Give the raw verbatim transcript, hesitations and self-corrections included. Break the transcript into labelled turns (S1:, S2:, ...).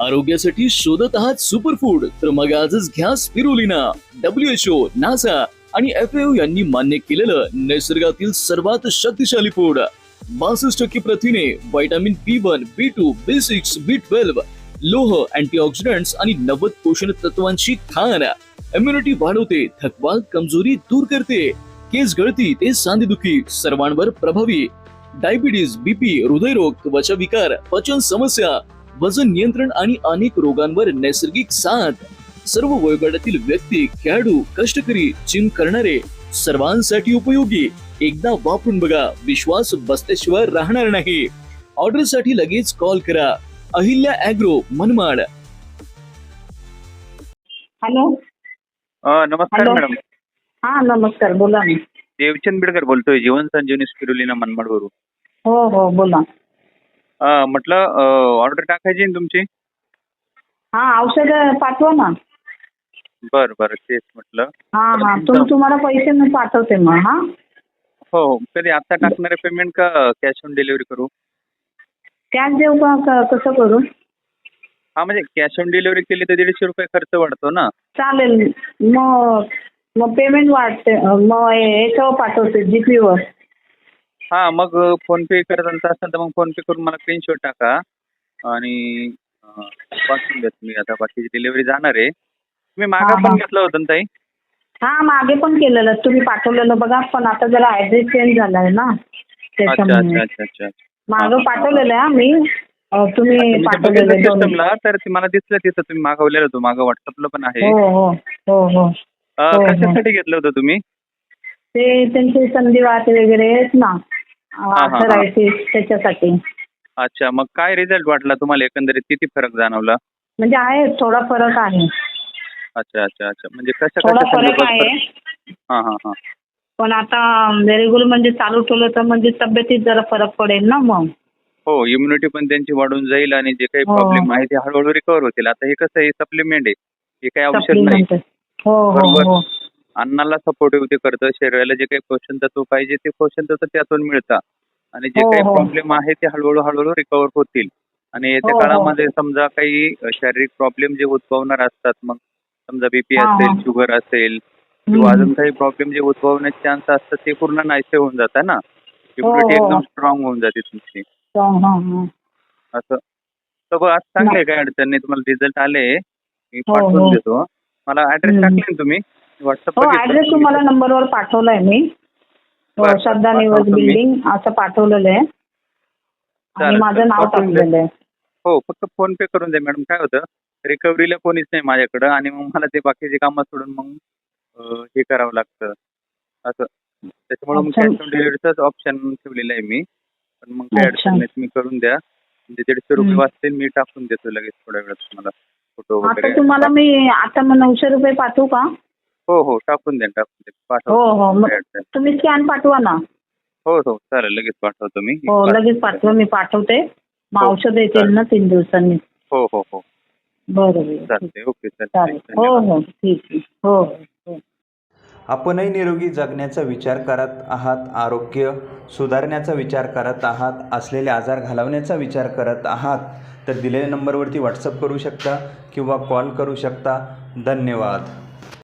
S1: आरोग्यासाठी शोधत आहात सुपरफूड, तर मग आजच घ्या spirulina. W H O, NASA आणि एफ ए ओ यांनी मान्य केलेलं निसर्गातील सर्वात शक्तिशाली फूड. बासष्ट टक्के प्रथिने, vitamin B one, B two, B six, B twelve, लोह, अँटीऑक्सिडंट्स आणि नव्वद पोषण तत्वांची खाण. इम्युनिटी वाढवते, थकवा कमजोरी दूर करते, केस गळती ते सांधेदुखी सर्वांवर प्रभावी. डायबिटीज, बीपी, हृदयरोग, त्वचा विकार, पचन समस्या, वजन नियंत्रण आणि अनेक रोगांवर नैसर्गिक साथ. सर्व वयोगटातील व्यक्ती, खेळाडू, कष्टकरी, जिम करणारे सर्वांसाठी उपयोगी. एकदा वापरून बघा, विश्वास बसल्याशिवाय राहणार नाही. ऑर्डर साठी लगेच कॉल करा. अहिल्या ॲग्रो, मनमाड.
S2: हॅलो.
S3: अ, नमस्कार
S2: हॅलो.
S3: मॅडम.
S2: हा नमस्कार, बोला ना.
S3: देवचंद बिडकर बोलतोय, जीवन संजीवनी स्पिरुलिना मनमाडवरून.
S2: हो हो बोला.
S3: अ, म्हटलं ऑर्डर टाकायची ना तुमची.
S2: हा औषध पाठवा ना.
S3: बरं बरं तेच म्हटलं.
S2: हा
S3: तर
S2: हा
S3: तुमचं-
S2: तुम तुम्हाला पैसे मी पाठवते मग. हा
S3: हो हो. कधी आता टाकणारे पेमेंट का कॅश ऑन डिलिव्हरी करू?
S2: कॅश देऊ का क- कसं करू?
S3: हा म्हणजे कॅश ऑन डिलिव्हरी केली तर दीडशे रुपये खर्च वाढतो ना.
S2: चालेल. मग मग पेमेंट वाढते, मग याच्यावर पाठवते जीपीवर.
S3: हा मग फोन पे करत असाल तर मग फोन पे करून मला स्क्रीनशॉट टाका आणि अ, पाठवून द्या तुम्ही. आता बाकीची डिलिव्हरी जाणार आहे. तुम्ही मागा
S2: हा,
S3: पण
S2: हा.
S3: घेतलं होतं ना ताई?
S2: हा मागे पण केलेलं तुम्ही पाठवलेलं बघा, पण आता जरा ऍड्रेस चेंज झालाय ना
S3: अच्छा
S2: त्याच्यामुळे.
S3: अच्छा अच्छा अच्छा.
S2: मागं पाठवलेलं आहे मी. अं, तुम्ही पाठवलेलं दोन.
S3: सिस्टमला तर ते मला दिसलं तिथं तुम्ही मागवलेलं होतं. मागं व्हॉट्सअपला पण आहे.
S2: हो हो हो हो
S3: अ,
S2: हो, हो.
S3: कशासाठी घेतलं होतं तुम्ही?
S2: ते त्यांचे संधिवात वगैरे आहेत ना,
S3: हा.
S2: आर्थरायटिस, त्याच्यासाठी.
S3: अच्छा, मग काय रिझल्ट वाटला तुम्हाला, एकंदरीत किती फरक जाणवला?
S2: म्हणजे आहे, थोडा फरक आहे.
S3: अच्छा अच्छा अच्छा. म्हणजे कशा
S2: थोडा
S3: कशा
S2: फरक
S3: संदर्भात
S2: आहे.
S3: फरक? हा हा हा.
S2: पण आता रेग्युलर म्हणजे चालू ठेवलं तर म्हणजे तब्येतीत जरा फरक पडेल ना मग.
S3: हो, इम्युनिटी पण त्यांची वाढून जाईल आणि जे काही
S2: हो.
S3: प्रॉब्लेम आहे ते हळूहळू रिकवर होतील. आता हे कसं आहे, सप्लिमेंट आहे, हे काही औषध नाही.
S2: सप्लिमेंट. हो हो
S3: बरोबर.
S2: हो
S3: अन्नाला सपोर्टिव्ह ते करतं, शरीराला जे काही पोषण तत्व पाहिजे ते पोषण तत्व त्यातून मिळतं आणि जे
S2: हो,
S3: काही
S2: हो.
S3: प्रॉब्लेम आहे ते हळूहळू हळूहळू रिकवर होतील. आणि येत्या
S2: हो, हो.
S3: काळामध्ये समजा काही शारीरिक प्रॉब्लेम जे उद्भवणार असतात, मग समजा बीपी
S2: हा,
S3: असेल,
S2: हा.
S3: शुगर असेल किंवा
S2: हम्म.
S3: अजून काही प्रॉब्लेम जे उद्भवण्याचे चान्स असतात ते पूर्ण नाहीसे होऊन जातात ना. इम्युनिटी
S2: हो.
S3: एकदम स्ट्रॉंग होऊन जाते तुमची.
S2: हा, हा, हा.
S3: असं तर बघ, आज चांगले काय अडचण नाही. तुम्हाला रिझल्ट आले, मी
S2: हो,
S3: पाठवून
S2: हो.
S3: देतो. मला ऍड्रेस
S2: हम्म.
S3: टाकले ना तुम्ही व्हॉट्सअप
S2: हो ऍड्रेस तुम्हाला नंबरवर पाठवलाय मी. हो,
S3: बरं,
S2: श्रद्धा निवास
S3: पाठवतो मी.
S2: बिल्डिंग असं पाठवलेलं आहे आणि
S3: चालेल,
S2: माझं
S3: चालेल.
S2: नाव
S3: पाठवून द्या.
S2: टाकलेलं आहे.
S3: हो, फक्त फोन पे करून द्या मॅडम. काय होतं, रिकव्हरीला कोणीच नाही माझ्याकडं आणि मग मला ते बाकीचे कामं सोडून मग अं, हे करावं लागतं असं. त्याच्यामुळे मग
S2: अच्छा.
S3: कॅश ऑन डिलिव्हरीचाच ऑप्शन ठेवलेला आहे मी. पण मग काही
S2: अच्छा.
S3: अडचण नाही, तुम्ही करून द्या. म्हणजे दीडशे रुपये
S2: हम्म.
S3: वाचतील. मी टाकून देतो लगेच थोड्या वेळात तुम्हाला फोटो
S2: आता
S3: वगैरे.
S2: तुम्हाला मी आता मग नऊशे रुपये पाठवू का?
S3: हो हो, टाकून द्या टाकून द्या.
S2: हो
S3: पाठवतो.
S2: हो मग
S3: काही अडचण नाही.
S2: तुम्ही स्कॅन पाठवा ना.
S3: हो हो चालेल, लगेच पाठवतो मी.
S2: हो लगेच पाठवा, मी पाठवते. मग
S3: हो,
S2: औषध येतील
S3: चालेल.
S2: ना तीन दिवसांनी.
S3: हो हो हो
S2: बरं बरं.
S3: चालते. ओके
S2: चालेल.
S3: चालेल.
S2: हो
S3: धन्यवाद.
S2: हो ठीक आहे. हो हो.
S4: आपणही निरोगी जगण्याचा विचार करत आहात, आरोग्य सुधारण्याचा विचार करत आहात, असलेले आजार घालवण्याचा विचार करत आहात, तर दिलेल्या नंबरवरती व्हॉट्सअप करू शकता किंवा कॉल करू शकता. धन्यवाद.